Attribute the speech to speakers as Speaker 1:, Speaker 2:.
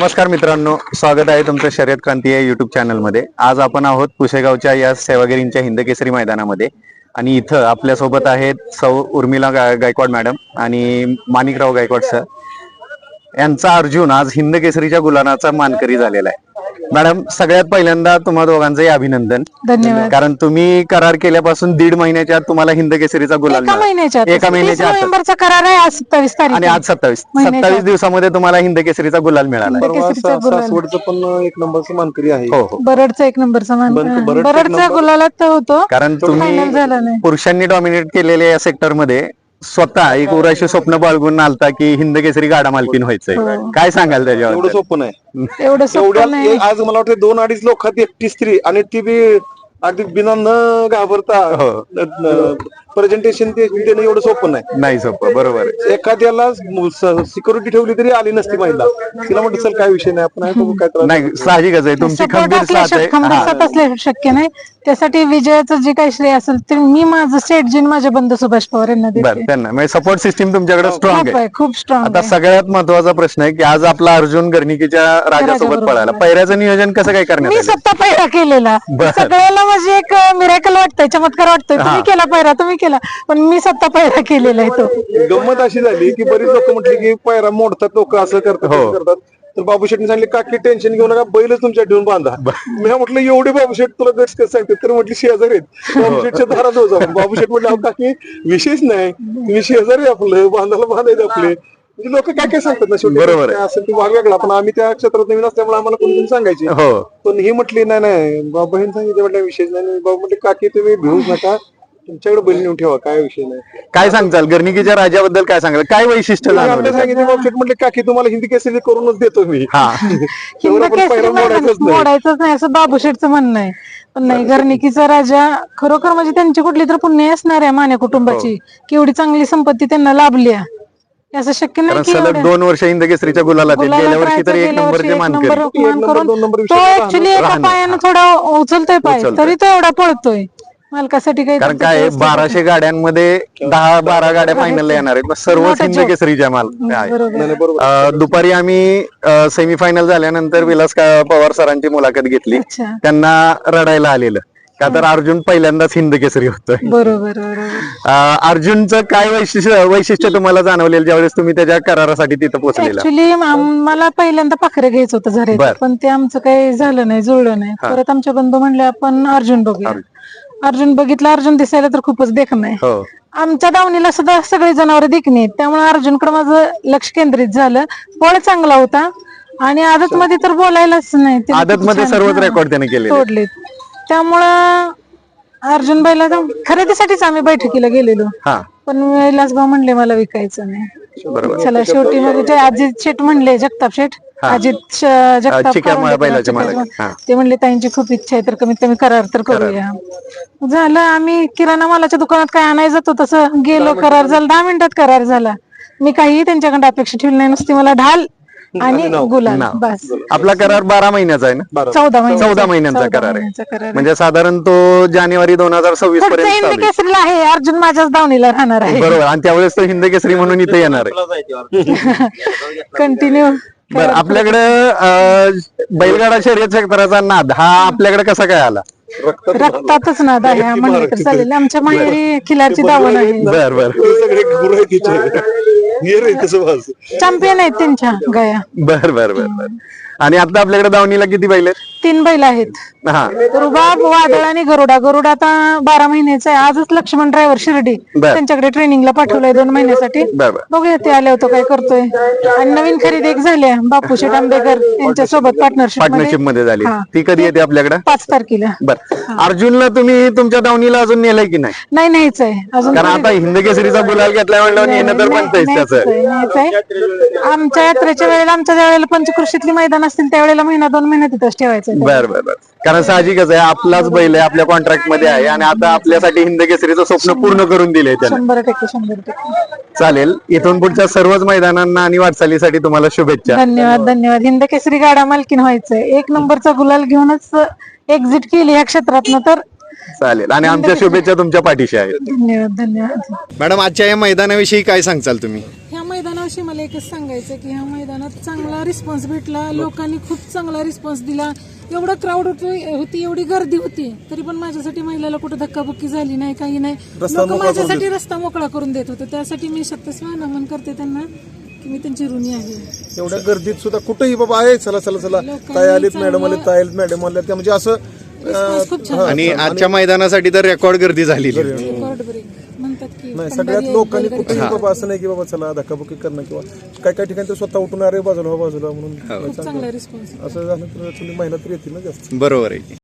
Speaker 1: नमस्कार मित्रांनो, स्वागत आहे तुमचं शर्यत क्रांती या युट्यूब चॅनलमध्ये। आज आपण आहोत पुशेगावच्या या सेवागिरींच्या हिंदकेसरी मैदानामध्ये आणि इथं आपल्यासोबत आहेत सौ उर्मिला गायकवाड मॅडम आणि माणिकराव गायकवाड सर यांचा अर्जुन आज हिंदकेसरीच्या गुलालाचा मानकरी झालेला आहे। मॅडम, सगळ्यात पहिल्यांदा तुम्हा दोघांचंही अभिनंदन,
Speaker 2: धन्यवाद।
Speaker 1: कारण तुम्ही करार केल्यापासून 1.5 महिन्याच्या आत तुम्हाला हिंदकेसरीचा गुलाल
Speaker 2: एका महिन्याच्या नोव्हेंबरचा करार आहे, आज 27 तारीख
Speaker 1: आणि आज 27 दिवसामध्ये तुम्हाला हिंदकेसरीचा गुलाल मिळाला।
Speaker 3: सासवडचं पण एक नंबरचं मानकरी आहे।
Speaker 1: हो,
Speaker 2: बरडचा एक नंबरचा बरडचा गुलालात होतो,
Speaker 1: कारण तुम्ही
Speaker 2: झाला नाही।
Speaker 1: पुरुषांनी डॉमिनेट केलेल्या या सेक्टर मध्ये स्वतः एक उराशी स्वप्न बाळगून आलता की हिंदकेसरी गाडा मालकीन व्हायचंय। काय सांगाल त्याच्यावर?
Speaker 3: एवढं सोपं नाही,
Speaker 2: एवढं सोपं नाही।
Speaker 3: आज मला वाटतं 2-2.5 लोकात एकटी स्त्री आणि ती बी अगदी बिना न घाबरता प्रेझेंटेशन देणं एवढं सोपं
Speaker 1: नाही सोपं, बरोबर आहे।
Speaker 3: एखाद्याला सिक्युरिटी ठेवली तरी आली नसती महिला, तिला म्हटलं चल काय विषय नाही, आपण बघू काय त्रास
Speaker 1: नाही, साहजिकच आहे, तुमची खंबीर साथ आहे।
Speaker 2: खंबीर साथ असल्याशिवाय शक्य नाही। त्यासाठी विजयाचं जे काही श्रेय असेल ते मी माझं सेटजीन माझे बंधू सुभाष पवार यांना देते।
Speaker 1: त्यांना म्हणजे सपोर्ट सिस्टीम तुमच्याकडे स्ट्रॉंग आहे,
Speaker 2: खूप स्ट्रॉंग।
Speaker 1: आता सगळ्यात महत्वाचा प्रश्न आहे की आज आपला अर्जुन गर्णिकीच्या राजासोबत पळाला, पैऱ्याचं नियोजन कसं काय करण्यात
Speaker 2: मी स्वतः पैरा केलेला, सगळ्याला म्हणजे एक मिरेकल वाटतंय, चमत्कार वाटतोय। तुम्ही केला पैरा, तुम्ही केला, पण मी स्वतः पैरा केलेला आहे तो।
Speaker 3: गंमत अशी झाली की बरीच लोक म्हटली की पायरा मोडतात, लोक असं करतात, तर बाबू शेटने सांगितले काकी टेन्शन घेऊ नका, बैलच तुमच्या ठेवून बांधा। मी म्हटलं एवढे बाबू शेट तुला गट्स कसं सांगते, तर म्हटली शेजारी बाबू शेटच्या दारात होता। बाबू शेट म्हटलं काकी विशेष नाही, तुम्ही शेजारी आपलं बांधायला बांधायचं आपले, म्हणजे लोक काय काय सांगतात ना, शेवटी
Speaker 1: बरोबर
Speaker 3: असं ती भाग वेगळा, पण आम्ही त्या क्षेत्रात नवीन असल्यामुळे आम्हाला कोणी सांगायचे। पण ही म्हटली नाही बाबा, बहीण सांगितलं म्हटलं विशेष नाही। बाबा म्हटले काकी तुम्ही भिवूच नका, तुमच्याकडे बैल नेऊन ठेवा, काय विषय नाही।
Speaker 1: काय सांगताल गर्णिकीच्या राजाबद्दल? काय सांगाल, काय वैशिष्ट्य जाणवलं?
Speaker 3: सांगितलं बाबू शेट म्हटले काकी तुम्हाला हिंदी केसरी करूनच देतो मी,
Speaker 2: मोडायचंच नाही असं बाबू शेटचं म्हणणं आहे। पण नाही, गर्णिकीचा राजा खरोखर म्हणजे त्यांची कुठली तर पुण्य असणार आहे माने कुटुंबाची, की एवढी चांगली संपत्ती त्यांना लाभली आहे, असं शक्य नाही की
Speaker 1: सलग 2 वर्ष हिंदकेसरीच्या गुलालात, गेल्या वर्षी तर 1 नंबरचे मानकरी।
Speaker 2: तो ऍक्च्युली एका पायानं थोडा उचलतोय पाय, तरी तो एवढा पळतोय मालकासाठी। काही
Speaker 1: कारण काय 1200 गाड्यांमध्ये 10-12 गाड्या फायनलला येणार आहेत, सर्वच हिंदकेसरीच्या माल आहे। दुपारी आम्ही सेमीफायनल झाल्यानंतर विलास पवार सरांची मुलाखत घेतली, त्यांना रडायला आलेलं का तर अर्जुन पहिल्यांदाच हिंदकेसरी होतोय।
Speaker 2: बरोबर।
Speaker 1: अर्जुनचं काय वैशिष्ट्य तुम्हाला जाणवलेलं ज्यावेळेस तुम्ही त्याच्या करारासाठी तिथं पोहोचलेला?
Speaker 2: ऍक्च्युली मला पहिल्यांदा पाखरे घ्यायचं होतं झरे, पण ते आमचं काही झालं नाही, जुळलं नाही। परत आमच्या बंधू म्हणले आपण अर्जुन बघूया। अर्जुन बघितला, अर्जुन दिसायला तर खूपच देखणं आहे। आमच्या दावणीला सुद्धा सगळी जनावर देखणी आहेत, त्यामुळे अर्जुनकडे माझं लक्ष केंद्रित झालं। पळ चांगला होता आणि आदत मध्ये तर बोलायलाच नाही,
Speaker 1: आदत मध्ये सर्वच रेकॉर्ड त्याने केले
Speaker 2: तोडले। त्यामुळं अर्जुन बैला खरेदीसाठीच आम्ही बैठकीला गेलेलो, पण विलासभाऊ म्हणले मला विकायचं नाही। चला शेवटी मग ते अजित शेठ म्हणले, जगताप शेठ, अजित जगताप ते म्हणले ताईंची खूप इच्छा आहे तर कमीत कमी करार तर करूया। झालं, आम्ही किराणा मालाच्या दुकानात काय आणायचं जातो तसं गेलो, करार झाला, 10 मिनिटात करार झाला। मी काही त्यांच्याकडे अपेक्षा ठेवली नाही, नुसती मला ढाल आणि गुलाल, बस।
Speaker 1: आपला करार 12 महिन्याचा आहे ना? 14 महिन्यांचा करार आहे, म्हणजे साधारण तो जानेवारी 2026 पर्यंत
Speaker 2: हिंदकेसरीला आहे। अर्जुन माझ्याच दावणीला राहणार आहे,
Speaker 1: बरोबर, आणि त्यावेळेस तो हिंदकेसरी म्हणून इथे येणार आहे
Speaker 2: कंटिन्यू।
Speaker 1: बरं, आपल्याकडे बैलगाडा शर्यत क्षेत्राचा नाद हा आपल्याकडे कसा काय आला?
Speaker 2: रक्तातच नाद आहे म्हणलं तर चालेल। आमच्या माहेरी खिलारची दावण आहे, चॅम्पियन आहेत त्यांच्या गाया।
Speaker 1: बर। आणि आता आपल्याकडे दावणीला किती बैल आहेत?
Speaker 2: 3 बैल आहेत, रुबाब, वादळ आणि गरुडा। गरुडा आता 12 महिन्याचा आहे। आजच लक्ष्मण ड्रायव्हर शिर्डी त्यांच्याकडे ट्रेनिंगला पाठवलंय 2 महिन्यासाठी, बघूया ते आले होते काय करतोय। आणि नवीन खरेदी एक झाली बापू शेठ आंबेकर यांच्या सोबत पार्टनरशिप मध्ये झाली,
Speaker 1: ती कधी येते आपल्याकडे?
Speaker 2: 5 तारखेला।
Speaker 1: बरं, अर्जुनला तुम्ही तुमच्या दावणीला अजून नेलंय की नाही?
Speaker 2: नाहीच आहे अजून, कारण
Speaker 1: आता हिंदकेसरीचा गुलाल घेतला म्हणल्यावर येणं तर बनतंय त्याचं।
Speaker 2: आमच्या यात्रेच्या वेळेला, आमच्या ज्या वेळेला पंचकृषीतली मैदान असतील त्यावेळेला 1-2 महिने तिथंच ठेवायचं।
Speaker 1: बर, कारण साहजिकच आहे, आपलाच बैल आहे, आपल्या कॉन्ट्रॅक्ट मध्ये आहे आणि आता आपल्यासाठी हिंदकेसरीचं स्वप्न पूर्ण करून दिलंय त्याने।
Speaker 2: 100%।
Speaker 1: चालेल, इथून पुढच्या सर्वच मैदानांना आणि वाटचालीसाठी तुम्हाला शुभेच्छा।
Speaker 2: धन्यवाद। हिंदकेसरी गाडा मालकीन व्हायचंय, 1 नंबरचा गुलाल घेऊनच एक्झिट केली या क्षेत्रातनं, तर
Speaker 1: चालेल, आणि आमच्या शुभेच्छा तुमच्या पाठीशी आहेत।
Speaker 2: धन्यवाद।
Speaker 1: मॅडम, आजच्या या मैदानाविषयी काय सांगचाल तुम्ही?
Speaker 2: ह्या मैदानाविषयी शेवटपाशी मला एकच सांगायचं की ह्या मैदानात चांगला रिस्पॉन्स भेटला, लोकांनी खूप चांगला रिस्पॉन्स दिला. एवढं क्राऊड होती, एवढी गर्दी होती, तरी पण माझ्यासाठी महिलाला कुठं धक्काबुक्की झाली नाही, काही नाही. लोक माझ्यासाठी रस्ता मोकळा करून देत होते. त्यासाठी मी शतस्व नमन करते त्यांना की मी त्यांची ऋणी आहे.
Speaker 3: एवढ्या गर्दीत सुद्धा कुठेही बाबा आहे, चला चला चला, ताई आलीत, मॅडम आले, ताई आलीत, मॅडम आल्या, त्या म्हणजे असं
Speaker 2: रिस्पॉन्स खूप छान
Speaker 1: आणि आजच्या मैदानासाठी तर रेकॉर्ड गर्दी झालेली.
Speaker 2: रेकॉर्ड ब्रेक म्हणतात की
Speaker 3: नाही, सगळ्यात लोकांनी कुठेही बाबा असं नाही की बाबा चला धक्काबुक्की करणं किंवा काय काय ठिकाणी तर स्वतः उठून अरे बाजूला म्हणून
Speaker 2: खूप चांगला रिस्पॉन्स
Speaker 3: असं झालं तर तुम्ही महिला तर येतील ना जास्त.
Speaker 1: बरोबर आहे.